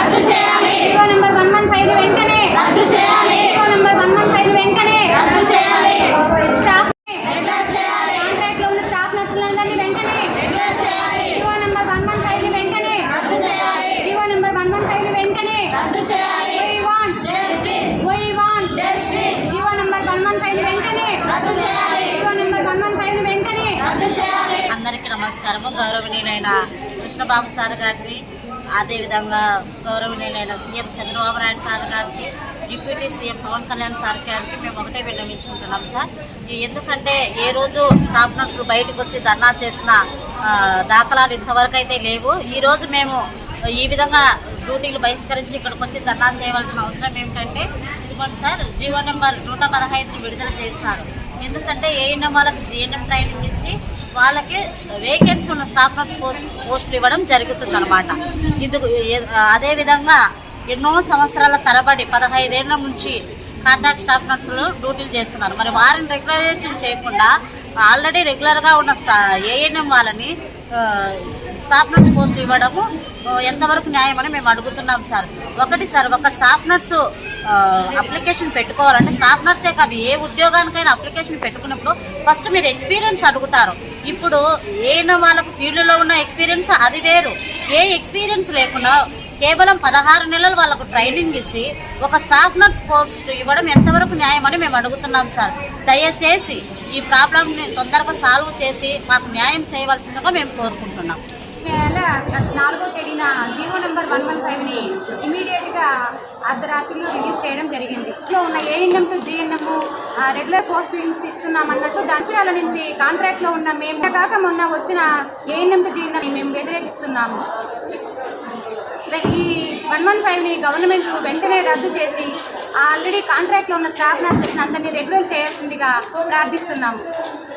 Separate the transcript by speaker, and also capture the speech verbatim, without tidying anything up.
Speaker 1: రద్దు చేయాలి. GO number one one five వెంటనే రద్దు చేయాలి. GO number one one five వెంటనే రద్దు చేయాలి. స్టాఫ్ రెగ్యులర్ చేయాలి. కాంట్రాక్ట్ లో ఉన్న స్టాఫ్ నర్సులందరినీ వెంటనే రెగ్యులర్ చేయాలి. GO number one one five వెంటనే రద్దు చేయాలి. GO number one one five వెంటనే రద్దు చేయాలి. We want justice. We want justice. GO number one one five వెంటనే రద్దు చేయాలి. GO number one one five వెంటనే రద్దు చేయాలి.
Speaker 2: అందరికీ నమస్కారము. గౌరవనీయులైన కృష్ణబాబు సార్ గారికి, అదేవిధంగా గౌరవనీయులైన సీఎం చంద్రబాబు నాయుడు సార్ గారికి, deputy CM Pawan Kalyan sir గారికి మేము ఒకటే విన్నవించుకుంటున్నాం సార్. ఎందుకంటే ఏ రోజు స్టాఫ్ నర్సులు బయటకు వచ్చి ధర్నా చేసిన దాఖలాలు ఇంతవరకు అయితే లేవు. ఈరోజు మేము ఈ విధంగా డ్యూటీలు బహిష్కరించి ఇక్కడికి వచ్చి ధర్నా చేయవలసిన అవసరం ఏమిటంటే, ఇదిగోండి సార్, జీవో నెంబర్ నూట పదహైదుని విడుదల చేస్తున్నారు. ఎందుకంటే ఏఎన్ఎం వాళ్ళకి జిఎన్ఎం ట్రైనింగ్ ఇచ్చి వాళ్ళకి వేకెన్సీ ఉన్న స్టాఫ్ నర్స్ పోస్టులు ఇవ్వడం జరుగుతుంది అనమాట. ఇది అదేవిధంగా ఎన్నో సంవత్సరాల తరబడి పదహైదేళ్ల నుంచి కాంట్రాక్ట్ స్టాఫ్ నర్సులు డ్యూటీలు చేస్తున్నారు. మరి వారిని రెగ్యులరైజేషన్ చేయకుండా ఆల్రెడీ రెగ్యులర్గా ఉన్న స్టా ఏఎన్ఎం వాళ్ళని స్టాఫ్ నర్స్ పోస్టులు ఇవ్వడము ఎంతవరకు న్యాయమని మేము అడుగుతున్నాం సార్. ఒకటి సార్, ఒక స్టాఫ్ నర్సు అప్లికేషన్ పెట్టుకోవాలంటే స్టాఫ్ నర్సే కాదు, ఏ ఉద్యోగానికైనా అప్లికేషన్ పెట్టుకున్నప్పుడు ఫస్ట్ మీరు ఎక్స్పీరియన్స్ అడుగుతారు. ఇప్పుడు ఏఎన్ఎం వాళ్ళకు ఫీల్డ్లో ఉన్న ఎక్స్పీరియన్స్ అది వేరు. ఏ ఎక్స్పీరియన్స్ లేకుండా కేవలం పదహారు నెలలు వాళ్ళకు ట్రైనింగ్ ఇచ్చి ఒక స్టాఫ్ నర్స్ పోస్ట్ ఇవ్వడం ఎంతవరకు న్యాయమని మేము అడుగుతున్నాం సార్. దయచేసి ఈ ప్రాబ్లంని తొందరగా సాల్వ్ చేసి మాకు న్యాయం చేయవలసిందిగా మేము కోరుకుంటున్నాం.
Speaker 1: నెల నాలుగో తేదీన జీవో నెంబర్ వన్ వన్ ఫైవ్ని ఇమీడియట్గా అర్ధరాత్రిలో రిలీజ్ చేయడం జరిగింది. ఇంట్లో ఉన్న ANM to GNM regular postings ఇస్తున్నామన్నట్లు దంచాల నుంచి కాంట్రాక్ట్లో ఉన్న మేము కాక మొన్న వచ్చిన ఏఎన్ఎం టు జిఎన్ఎం మేము వ్యతిరేకిస్తున్నాము. ఈ వన్ వన్ ఫైవ్ని గవర్నమెంట్ వెంటనే రద్దు చేసి ఆల్రెడీ కాంట్రాక్ట్లో ఉన్న స్టాఫ్ నర్సెస్ అందరినీ రెగ్యులర్ చేయాల్సిందిగా ప్రార్థిస్తున్నాము.